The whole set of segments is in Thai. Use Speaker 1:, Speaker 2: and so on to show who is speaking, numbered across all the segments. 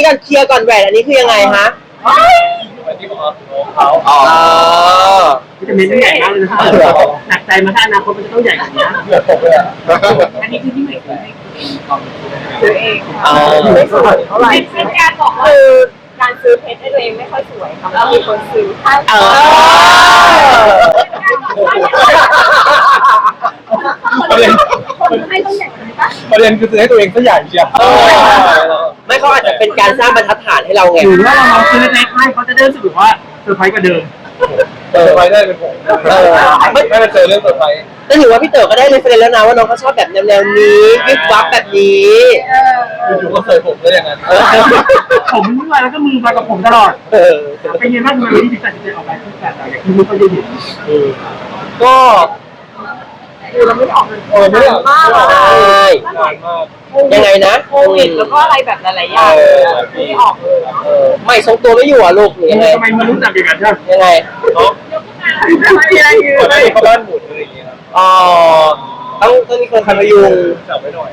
Speaker 1: ก่อนเคลียร์ก่อนแหวนอันนี้คือยังไงฮะ
Speaker 2: อันนี้ของเขา
Speaker 3: จะมีใหญ่มากเลยนะหนักใจมาถ้าอนาคตมันจะต้องใหญ่กว่านี้
Speaker 2: เกือบตกเลยอ่ะ
Speaker 3: อันนี้คือที่ไหน
Speaker 4: ซื้อเองเท่าไหร่เป็นการบอกว่าการซื้อเพชรให้ตัวเองไม่ค่อยสวยค่ะแล้วมีคนซื้อให้คนให้ต้องใหญ่ไหม
Speaker 2: ประเด็นคือซื้อให้ตัวเองซะใหญ่เชียว
Speaker 1: ไม่เขาอาจจะเป็นการสร้างบรรทัดฐานให้เราไง
Speaker 3: หรือว่าเราซื้อเล็กๆให้เขาจะได้รู้สึกว่าเซอร์ไพรส์กว่าเดิม
Speaker 2: เซอร์ไพรส์ได้เป็นผมไม่มาเจอเรื่องเซอร์ไพรส์
Speaker 1: แต่ถือว่าพี่เต๋อก็ได้เลยเฟรนแล้วนะว่าน้องเขาชอบแบบแนวนี้วิบวับแบบนี้
Speaker 2: อยู่ก็เคยผมก็อย่างนั้น
Speaker 3: ผมมือแล้วก็มือมากับผมตลอดเป็นยังไงบ้างทำไมวันนี้ถึงตัดสินใจออกแบบที่แบบอย่างที่ไม่ค่อยได้เห็น
Speaker 2: ก็
Speaker 4: คือเราไม่ได้ออกเงิน
Speaker 2: ไม่ได้
Speaker 4: มากเลย
Speaker 1: ยังไงนะ
Speaker 4: โควิดแล้วก็อะไรแบบหลายๆอย่างไม่ได้ออกเลย
Speaker 1: ไม่ทรงตัวไม่อยู่อ่ะลูกยังไง
Speaker 3: ทำไมมันรู้จักอย่างนั้นใช่
Speaker 1: ยังไง
Speaker 4: ไม่มีอะไรอยู่
Speaker 2: เลยเขาบ้านหมุนอะไรอย่างเงี้ย
Speaker 1: อ๋อต้องมีคนคันพยุง
Speaker 2: จับไว้หน่อย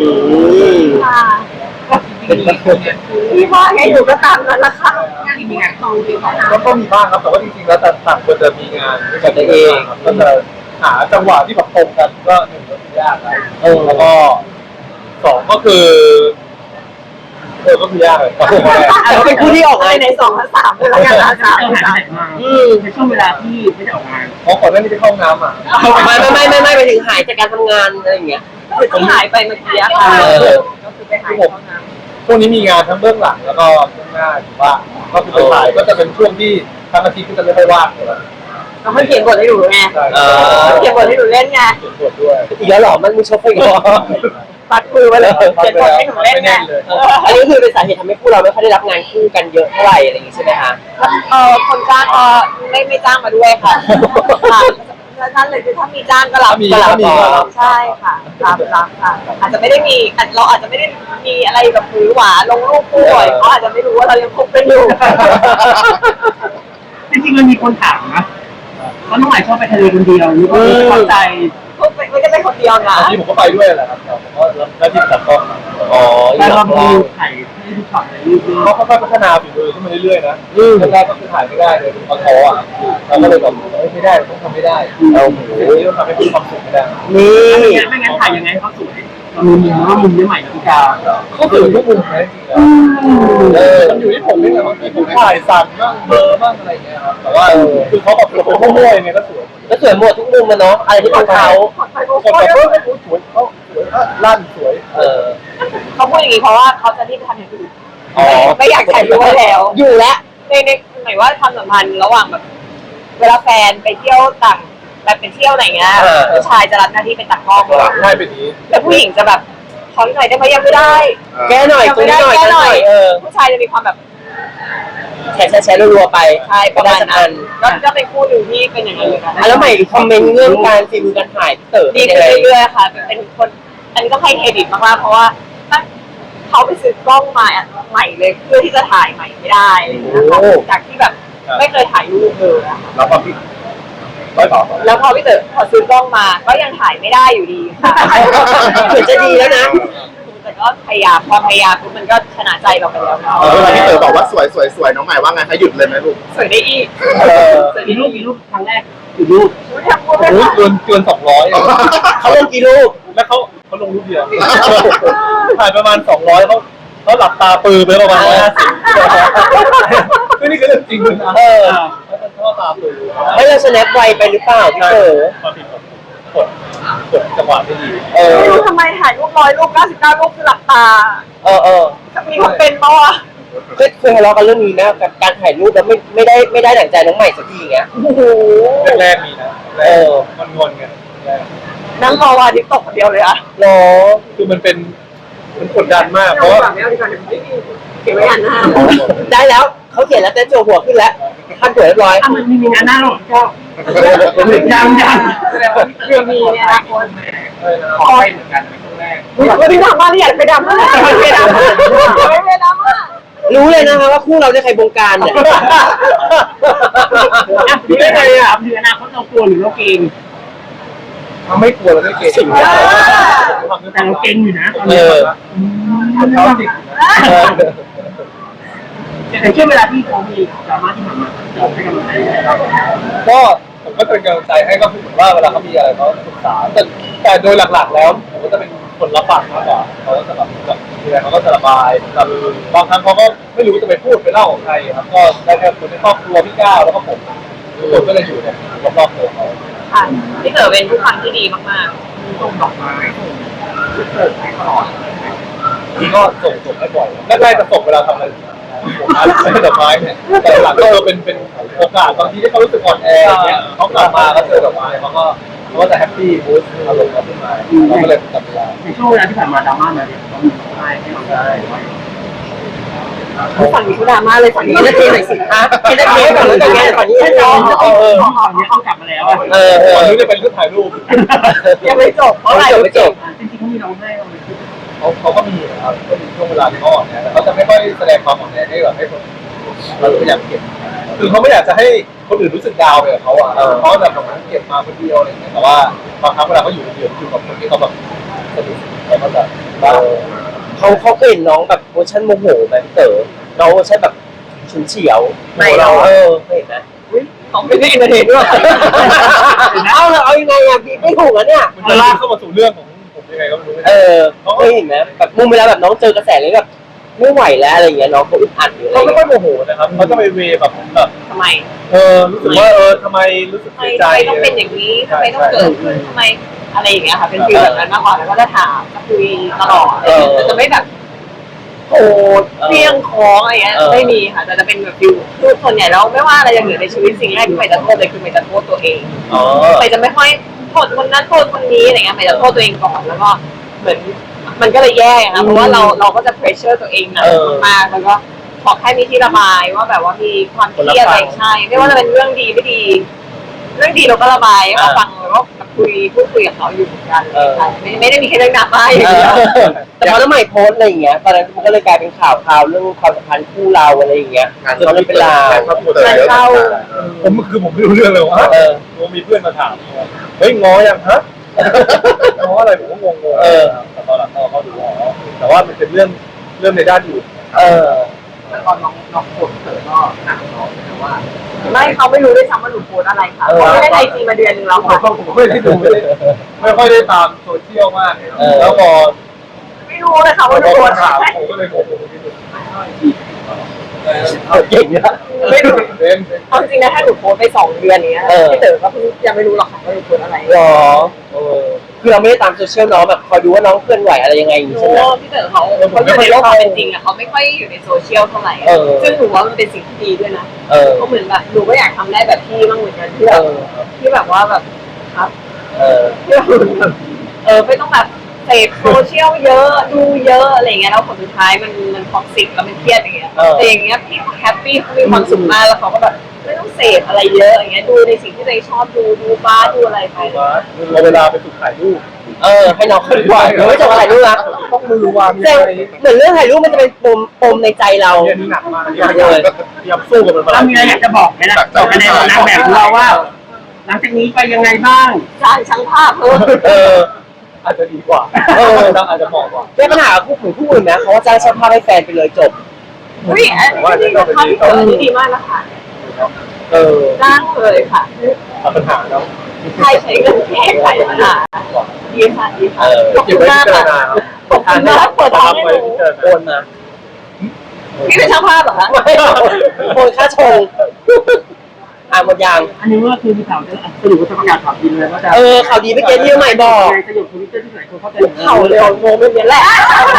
Speaker 4: ที่ว่าแกอยู่ก็ตามนั้นละค่ะมีงานตรงที่
Speaker 2: ก็มีบ้างครับแต่ว่าจริงๆแล้วต่างคนจะมีงานด้วยกันเองก็จะหาจังหวะที่แบบตรงกันก็หนึ่งก็ยากแล้วก็สองก็คือก็คือยากเลย
Speaker 1: เขาเป็นคู่ที่ออกงาน
Speaker 4: ใน2 และ 3เลยละกันนะ
Speaker 3: ในช่วงเวลาที่ไม่ได้ออกงาน
Speaker 2: เพราะก่อนหน้านี้ไปเข้าน้ำอ่ะ
Speaker 1: ไม่ไปถึงหายจากการทำงานอะไรอย่างเงี้ย
Speaker 4: ที่หายไปเมื่อกี้ค่ะก็คือไปหายเข้าน้
Speaker 2: ำช่วงนี้มีงานทั้งเบื้องหลังแล้วก็เบื้องหน้าอยู่ว่าก็คือไปถ่ายก็จะเป็นช่วงที่ทั้งอาทิตย์ก็จะไม่ค่อยว่างเลย
Speaker 4: เขาเขียนบทให้หนูไงเขียนบทให้หนูเล่นไง
Speaker 2: เขียนบทด้วย
Speaker 1: อีกแล้วหรอมันมีชอบอีกแล้ว
Speaker 4: ปัดมือไปเลยเขียนบทให้หนูเล่นไง
Speaker 1: อันนี้คือเป็นสาเหตุทำให้พวกเราไม่ค่อยได้รับงานคู่กันเยอะเท่าไหร่อะไรอย่างงี้ใช่ไหมคะ
Speaker 4: คนจ้างไม่จ้างมาด้วยค่ะนั่นเลยคือถ้ามีจ้างก็รับใช่ค่ะรับค่ะอาจจะไม่ได้มีเราอาจจะไม่ได้มีอะไรแบบหือหวาลงรูปคู่บ่อยเขาอาจจะไม่รู้ว่าเรายังคบกันอยู่
Speaker 3: จริงๆมันมีคนถามนะว่าน้องใหม่ชอบไปทะเลคนเดียวหรือว่าเข้าใจ
Speaker 4: ไม่ได้ไปคนเดียวนะ
Speaker 2: ที่ผมก็ไปด้วยแหละครับผมก็หน้าที่ตัดกล้อง
Speaker 3: แต่เราดูถ่ายที่ทุกช็อตเลย
Speaker 2: เขาค่อยๆพัฒนาฝีมือขึ้นมาเรื่อยๆนะแรกก็คือถ่ายไม่ได้เลยตอนท้ออ่ะเราก็เลยแบบไม่ได้ต้องทำไม่ได้เราต้องทำให้มีความสุขไม่ได้
Speaker 3: นี่ไม่งั้นถ่ายยังไงเขาสวยมุมว่ามุมนี้ใหม่กับพี่กา
Speaker 2: ก็คือทุกมุมแท้จริงมันอยู่ที่ผมนี่แหละบางทีผมถ่ายสั่นบ้างเบอร์บ้างอะไรอย่างเงี้ยครับแต่ว่าคือเขาแบบเขาโม่เนี่ยก็ส
Speaker 1: วยหมดทุกมุมมันเนาะอะไรที่เป็นเขา
Speaker 2: คนแบบสวยเขาสวยลั่นสวย
Speaker 4: เขาพูดอย่างนี้เพราะว่าเขาจะรีบทำอย่างอื่นไม่อยากถ่ายรูปแล้ว
Speaker 1: อยู่แล้ว
Speaker 4: ในหมายว่าความสัมพันธ์ระหว่างแบบเวลาแฟนไปเที่ยวต่างแบบไปเที่ยวไหนเงี้ยผู้ชายจะรับหน้าที่เป็นตากล้อง
Speaker 2: ใช่เป็นนี้
Speaker 4: แต่ผู้หญิงจะแบบขอหน่อยได้ไหมยังไม่ได้
Speaker 1: แก้หน่อย
Speaker 4: ไม่ได้แก้หน่อยผู้ชายจะมีความแบบ
Speaker 1: แชร์รัวๆไป
Speaker 4: ใช่ประมาณนั้นก็เป็นคู่หนึ่งที่เป็นอย่างนั้นเลยนะ
Speaker 1: แล้วใหม่คอมเมนต์เรื่องการฝีมือการถ่ายเต๋อ
Speaker 4: ดีขึ้นเรื่อยๆค่ะเป็นคนอันนี้ต้องให้เครดิตมากๆเพราะว่าเขาไปซื้อกล้องมาใหม่เลยเพื่อที่จะถ่ายใหม่ไม่ได้จากที่แบบไม่เคยถ่ายรูปเลย
Speaker 2: แล้วพอพี่
Speaker 4: แล้วพอพี่เต๋อพอซื้อกล้องมาก็ยังถ่ายไม่ได้อยู่ดีค่ะ
Speaker 1: เหมือนจะดีแล้วนะ
Speaker 4: แต่ก็พยายามพอพยายามปุ๊บมันก็ชนะใจเราไปแล้ว
Speaker 2: พี่เต๋อบอกว่าสวยน้องใหม่ว่าไงคะหยุดเลยไหมลูก
Speaker 4: สวยได้อีก
Speaker 3: มีรูปครั้งแรกกี่รูป
Speaker 2: เกิน200
Speaker 1: เขาลงกี่รูป
Speaker 2: แล้วเขาลงรูปเดียวถ่ายประมาณ200เขาหลับตาปือไปประมาณ50นี่คือเรื่องจริงนะเขาตาปือ
Speaker 1: ไม่เราสแนปไวไปหรือเปล่าพี่เต๋
Speaker 2: อกดจังหวะไม่ดี
Speaker 4: ไม่รู้ทำไมถ่ายรูป100 รูป99 รูปคือหลับตามีคนเป็นปะวะ
Speaker 1: เคยทะเลาะกันเรื่องนี้นะกับการถ่ายรูปแล้วไม่ได้ดั่งใจน้องใหม่สักทีเงี้ย
Speaker 2: แรกมีนะมันงอนกัน
Speaker 4: นั่งรอวันที่ตกเดียวเลยอะ
Speaker 1: รอ
Speaker 2: คือมันกดดันมากเพราะว่า
Speaker 4: เขียนไว้อันหน้า
Speaker 1: ได้แล้วเขาเขียนแล้วเต้นโจหัวขึ้นแล้วขั้นสวยเรียบร้อย
Speaker 3: มันมีงานหน้าหรอก็ยัง
Speaker 4: เรื่องมีเนี่ยนะคน
Speaker 2: ขอให้เหมือนกันเป็นครั้งแรก
Speaker 4: วันนี้ดราม่าที่อยากไปดราม่าไม่ดราม่า
Speaker 1: รู้เลยนะคะว่าคู่เราจะใครบงการเนี่ย
Speaker 3: รู้ได้ไงอ่ะคืออนาคตเรากลัวหรือเราเก่ง
Speaker 2: ไม่กลัวเราไม่เก่ง
Speaker 3: แต่เราเก่งอยู่นะ
Speaker 2: เขาจริง
Speaker 3: อย่างเช่นเวลาที่เขามีดราม่าที่ผ่านมาเราให้กำลังใจเรา
Speaker 2: ก็ผมก็เป็นกำลังใจให้ก็คือเหมือนว่าเวลาเขามีอะไรเขาปรึกษาแต่โดยหลักๆแล้วผมก็จะเป็นคนรับฟังมากกว่าเขาก็จะแบบมีอะไรเขาก็จะระบายบางครั้งเขาก็ไม่รู้จะไปพูดไปเล่าของใครครับก็ได้แค่คนในครอบครัวพี่ก้าวแล้วก็ผมทุกคนก็เลยอยู่เนี่ยรอบๆตัวเขา
Speaker 4: ค่ะพี่เต๋อเป็นผู้ฟังที่ดีมาก
Speaker 3: ส่งดอกไม้ส่งเกิดให้ตลอด
Speaker 2: นี่ก็ส่งให้บ่อยแรกๆจะส่งเวลาทำอะไรผมอาจจะไม่ดอกไม้เนี่ยแต่หลังก็เป็นโอกาสบางทีที่เขารู้สึกอ่อนแออย่างเงี้ยเขากลับมาก็เจอดอกไม้เขาก็จะแฮปปี้บูสต์อารมณ์เขาขึ้นมาเราก็เลยจับเวลา
Speaker 3: ในช่วงเวลาที่ผ่านมาดราม่ามาเนี่ยเรามีร้องไห้ให้เราได้
Speaker 4: ๆฝั่งนี้เขาดราม่าเลยฝั่งนี้ก็เทหน่อยสิคะเทได้เทฝั่งนี้จะแง่ฝั่งนี้ให้น้อง
Speaker 3: ตอนนี้เขากลับมาแล้วอ่ะ
Speaker 2: ตอนนี้จะเป็นเรื่องถ่ายรูป
Speaker 4: ยังไม่จบเพราะอะไร
Speaker 1: ไม่จบ
Speaker 3: จริงๆเขามีร้องไห้เราไหม
Speaker 2: เขาก็มีนะครับก็มีช่วงเวลาที่เขาอ่อนแอแต่เขาจะไม่ค่อยแสดงความอ่อนแอให้แบบให้คนเราพยายามเก็บคือเขาไม่อยากจะให้คนอื่นรู้สึกดาวไปกับเขาอ่ะเขาแบบเก็บมาคนเดียวอะไรอย่างเงี้ยแต่ว่าบางครั้งเวลาเขาอยู่คนเดียวอยู่กับคนที่เขาแบบสนิทเขาก็จะบ้า
Speaker 1: เขาเคยเห็นน้องแบบเวอร์ชันโมโหไหมพี่เต๋อน้องเวอร์ชันแบบฉุนเฉียวเคยเห็นนะ
Speaker 4: เขาไม่ได้อินเตอร์เน็ตด้วย
Speaker 1: เอายังไงอะพี่ไม่ถูกแล้วเนี่ย
Speaker 2: มันจะลากเข้ามาสู่เรื่องของผมยังไงก็ไม่รู้
Speaker 1: เคยเห็นไหมแบบมุมเวลาแบบน้องเจอกระแสเลยแบบไม่ไหวแล้วอะไรอย่างเงี้ยน้องเขาอึดอัดอยู่อะไร
Speaker 2: เขาไม่ค่
Speaker 1: เงี้
Speaker 2: อย ยโมโหนะครับเขาจะไปเวแบบ
Speaker 4: ทำไม
Speaker 2: รู้สึกว่าทำไมรู้สึก
Speaker 4: ทำไม
Speaker 2: เสียใจ
Speaker 4: ต้องเป็นอย่างนี้ทำไมต้องเกิดขึ้นทำไมอะไรอย่างเงี้ยค่ะเป็นฟีลแบบนั้นมากกว่าแล้วก็จะถามจะคุยตลอดแต่จะไม่แบบโอ้เพียงของอะไรเงี้ยไม่มีค่ะแต่จะเป็นแบบฟิลคือส่วนใหญ่แล้วไม่ว่าอะไรจะเกิดในชีวิตสิ่งแรกที่ใหม่จะโทษเลยคือใหม่จะโทษตัวเองใหม่จะไม่ค่อยโทษคนนั้นโทษคนนี้อะไรเงี้ยใหม่จะโทษตัวเองก่อนแล้วก็เหมือนมันก็เลยแย่ค่ะเพราะว่าเราก็จะเพรสเชอร์ตัวเองหนักมากแล้วก็ขอแค่มีที่ระบายว่าแบบว่ามีความเครียดอะไรใช่ไม่ว่าจะเป็นเรื่องดีไม่ดี เรื่องดีเราก็ระบายให้เขาฟังแล้วก็พูดคุยกับเขาอยู่เหมือนกันไม่ได้มีแค่เรื่องดราม่าอย่างเดียว
Speaker 1: แต่พอน้องใหม่โพสอะไรอย่างเงี้ยตอนนั้นมันก็เลยกลายเป็นข่าวเรื่องความสัมพันธ์คู่เราอะไรอย่างเงี้ยจนมันเป็นราว
Speaker 2: ผมไม่รู้เรื่องเลยว่ามีเพื่อนมาถามเฮ้ยง้อยังฮะง้ออะไรผมก็งงแต่ตอนหลังเขาดูแต่ว่ามันเป็นเรื่องในด้านอื่น
Speaker 3: แต่ตอนน้องโคตรเกิดก็หนักน้องแต่ว่า
Speaker 4: ไม่เขาไม่รู้ด้วยซ้ำว่าหนูโพสอะไรค่ะเขาไม่ได้ไอจีมาเดือนนึงแล้วค่ะ
Speaker 2: ผมไม่ได้ดูไม่ค่อยได้ตามโซเชียลมากแล้วพอ
Speaker 4: ไม่รู้เลยค่ะว่าหนูโพส
Speaker 2: ถาม
Speaker 4: อะไร
Speaker 2: ผมก็เลยงงที่สุด
Speaker 1: เก่งนะ
Speaker 4: ไม่รู้
Speaker 2: เป็น
Speaker 4: เอาจริงนะถ้าหนูโพสไป2 เดือนนี้พี่เต๋อก็ยังไม่รู้หรอกค่ะว่าหนูโพสอะไร
Speaker 1: หรอคือเราไม่ได้ตามโซเชียลน้องแบบคอยดูว่าน้องเคลื่อนไหวอะไรยังไงอย่างนี้ใช่ไหม
Speaker 4: พี่เต๋อเขาอยู่ในโลกความเป็นจริงอะเขาไม่ค่อยอยู่ในโซเชียลเท่าไหร่ซึ่งหนูว่ามันเป็นสิ่งที่ดีด้วยนะก็เหมือนแบบหนูก็อยากทำได้แบบพี่บ้างเหมือนกันที่แบบว่าแบบครับที่แบบไม่ต้องแบบเสพโซเชียลเยอะดูเยอะอะไรเงี้ยแล้วผลสุดท้ายมันท็อกซิกแล้วมันเครียดอย่างเงี้ยแต่อย่างเงี้ยพี่แฮปปี้เขามีความสุขมากแล้วเขาก็แบบไม่ต้องเสพอะไรเยอะอย่างเงี้ยดูในสิ่งที่ตัวเองชอบดูบ้าดูอะไรไป
Speaker 2: เราเวลาไปฝึกถ่ายรูป
Speaker 1: ให้น้องเคลื่อนไหวไม่จบอะไรรู้นะ
Speaker 2: ต้องมือวาง
Speaker 1: แต่เหมือนเรื่องถ่ายรูปมันจะเป็นปมในใจเรา
Speaker 2: เรียนหนักมากเรียนสู้กับมันมา
Speaker 3: เรามีอะไรอยากจะบอกไหมล่ะบอกกันในนางแบบของเราว่า หลังจากนี้ไปยังไงบ้าง
Speaker 4: จ้างช่างภาพเพิ่ม
Speaker 2: อาจจะดีกว่าอาจจะเหมาะกว่า
Speaker 1: แก้ปัญหาคู่ของคู่อื่นนะเขาว่าจ้างช่างภาพให้แฟนไปเลยจบ
Speaker 4: อุ้ยอันนี้นะคะพี่เต๋ออันนี้ดีมากนะคะจ้างเลยค่ะ
Speaker 2: ตัดปัญหาแล้ว
Speaker 4: ใครใช้เงินแก้ไขปัญหาดีค่ะดีค่ะขอบ
Speaker 2: เก็บ
Speaker 4: คุณ
Speaker 2: ไว้
Speaker 4: มาก
Speaker 2: พิจาร
Speaker 4: ค่ะ
Speaker 2: ณา
Speaker 4: ขอบคุณมากเปิดทางให้หนู
Speaker 1: โอนมา
Speaker 4: พี่เป็นช่างภาพเหรอคะ
Speaker 1: โอนค่าชงหมดยาง
Speaker 3: อันนี้ก็คือมีข่าวจะสรุปว่าจะประกาศข่าวดีเลยว่าจะ
Speaker 1: ข่าวดีเมื่อกี้ที่ใหม่บอก
Speaker 3: ในประโยคทวิตเตอร์ที่ไหนคนเข้าใจ
Speaker 4: เข่าเร็วโมเป็นอย่างแหละ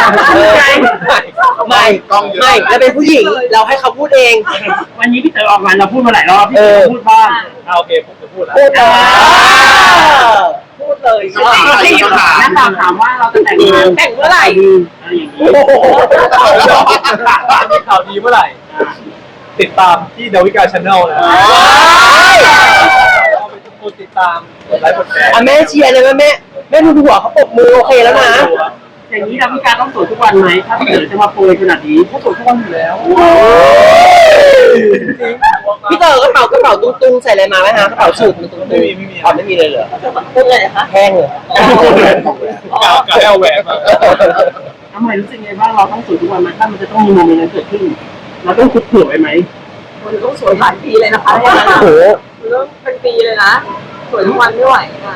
Speaker 1: ไม่แล้วเป็นผู้หญิงเราให้เขาพูดเอง
Speaker 3: วันนี้พี่เต๋อออกงานเราพูดมาหลายรอบพี่เต๋อพูดบ้าง
Speaker 2: โอเคผมจะพูดแล้ว
Speaker 1: พูดเลย
Speaker 4: พูดเลย
Speaker 3: นักข่าวถามว่าเราจะแต่งงาน
Speaker 4: แต่งเมื่อไหร่
Speaker 3: อะไรอย่างนี้
Speaker 2: มีข่าวดีเมื่อไหร่ติดตามที่ดาวิกาชาแนลนะคนติดตามกดไลค์กดแชร์
Speaker 1: แม่เชียร์เลยแม่ดูหัวเขาปรบมือโอเคแล้วนะ
Speaker 3: อย่างนี้ดาวิกาต้องสวยทุกวันไหมถ้าพี่เต๋อจะมาโปรยขนาดนี้
Speaker 2: เขาสวยทุกวันอยู่แล้ว
Speaker 1: พี่เต๋อกระเป๋าตุ้งใส่อะไรมาไหมฮะกระเป๋าสูทมันตุ้งไม่มีเลยเหรอ
Speaker 4: พูดเลยคะ
Speaker 1: แห้งเลย
Speaker 2: กาแอลแหวนมา
Speaker 3: ทำไมรู้สึกไงบ้างเราต้องสวยทุกวันไหมถ้ามันจะต้องมีโมเมนต์นั้นเกิดขึ้นเราต้องคุกหัวไว้ไหม
Speaker 4: มันต้องสวยหลายปีเลยนะคะอย่างนั้น
Speaker 1: โอ้
Speaker 4: อะ
Speaker 1: โห
Speaker 4: มันต้องเป็นปีเลยนะสวยทุกวันไม่ไหวอ่ะ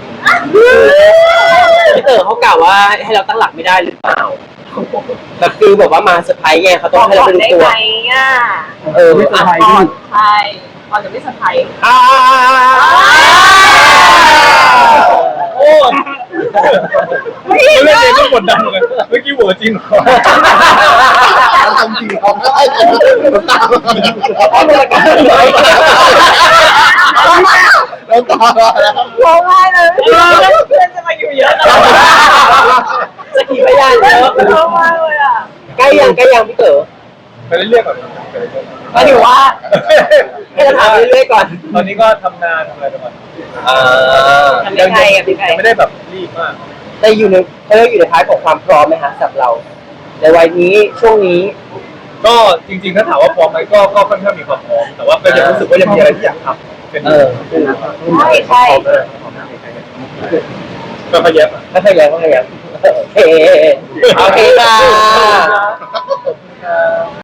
Speaker 1: พี่เต๋อเขากล่าวว่าให้เราตั้งหลักไม่ได้หรือเปล่าแบบคือแบบว่ามาเซอร์ไพรส์ไงเขา
Speaker 4: บ
Speaker 1: ต้อง
Speaker 4: อก
Speaker 1: ให้เรา
Speaker 4: ก่อน
Speaker 1: ไปดู
Speaker 4: ได้
Speaker 1: ตัว
Speaker 4: ไหมอ่ะ
Speaker 1: เออ
Speaker 3: ไม่เซอร์ไพรส์
Speaker 4: ก่อนใช่ก่อนจะไม่เซอร์ไพรส์
Speaker 2: โอ้ไม่เล่นเองก็กดดันเหมือนกันเมื่อกี้หัวจริงเหรอ
Speaker 5: ทำจริงเขาได้น้ำตาแล้วตาแล้ว
Speaker 4: ร้องไห้เลยเพื่อนจะมาอยู่เยอะตลอด
Speaker 1: สกีพยานเยอะ
Speaker 4: ร้องไห้เลยอ่ะ
Speaker 1: ใกล้ยังพี่เต๋อ
Speaker 2: ไปเรื่อยๆก่อนไปเรื่อย
Speaker 1: ก็ถือว่าให้เราถามเรื่อยๆก่อน
Speaker 2: ตอนนี้ก็ทำงานทำอะไรไปก่อน
Speaker 4: ทำยังไงอ่ะพี่ไก่
Speaker 2: ยังไม่ได้แบบรีบมาก
Speaker 1: แต่อยู่ในเขาเรียกอยู่ในท้ายของความพร้อมไหมฮะสำหรับเราในวัยนี้ช่วงนี้
Speaker 2: ก็จริงๆถ้าถามว่าพร้อมไหมก็ค่อนข้างมีความพร้อมแต่ว่าก็ยังรู้สึกว่ายังมีอะไรที่อยากทำเป็น
Speaker 4: ใช่ใช่
Speaker 2: ก็พยายาม
Speaker 1: ไม่เคยยังโอเคค่ะ